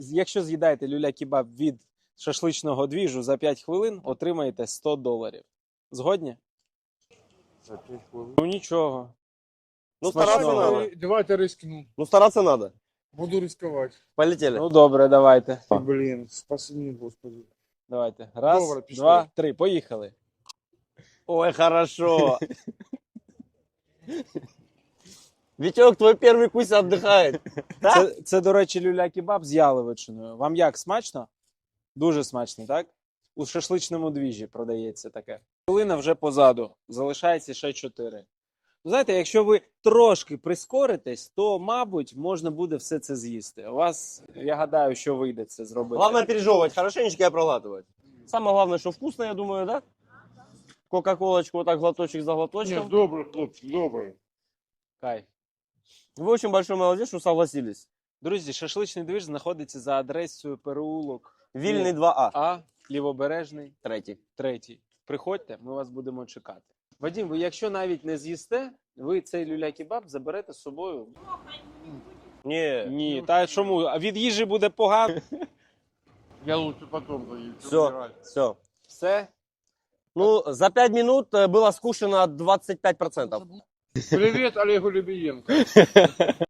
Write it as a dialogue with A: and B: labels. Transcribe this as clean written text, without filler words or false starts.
A: Якщо з'їдаєте люля-кебаб від шашличного двіжу за 5 хвилин, отримаєте $100. Згодні?
B: За 5 хвилин.
A: Ну нічого.
C: Ну,
A: Смачного.
C: стараться надо.
B: Давайте рискну.
C: Ну, стараться надо.
B: Буду рисковать.
C: Полетели.
A: Ну добре, давайте.
B: Блин, спаси меня, Господи.
A: Давайте. Раз,
B: Добре, пішли.
A: 2, 3. Поїхали.
C: Ой, хорошо. Витек, твой первый кусь отдыхает.
A: Це, до речі, люля-кебаб з яловичиною. Вам як, смачно? Дуже смачно, так? У шашличному двіжі продається таке. Хвилина вже позаду. Залишається ще 4. Ну, знаєте, якщо ви трошки прискоритесь, то, мабуть, можна буде все це з'їсти. У вас, я гадаю, що вийде це зробити.
C: Главное пережевывать, хорошенечко и проглатывать. Самое главное, что вкусно, я думаю, да? Кока-колочку вот так глоточек за глоточком.
B: Нет, добрый, хлопцы, добрый.
A: Кайф.
C: Вы очень большой молодец, что согласились.
A: Друзі, шашличний двіж знаходиться за адресою переулок
C: Вильный 2А.
A: А, Лівобережний,
C: Третий.
A: 3. Приходьте, ми вас будемо чекати. Вадим, ви якщо навіть не з'їсте, ви цей люля-кебаб заберете з собою.
C: Не.
A: Ні, та чому? А від їжі буде погано.
B: Я лучше потом заеду.
C: Все, все.
A: Все.
C: Ну, за 5 минут было скушено 25%.
B: Привет Олегу Любиенко.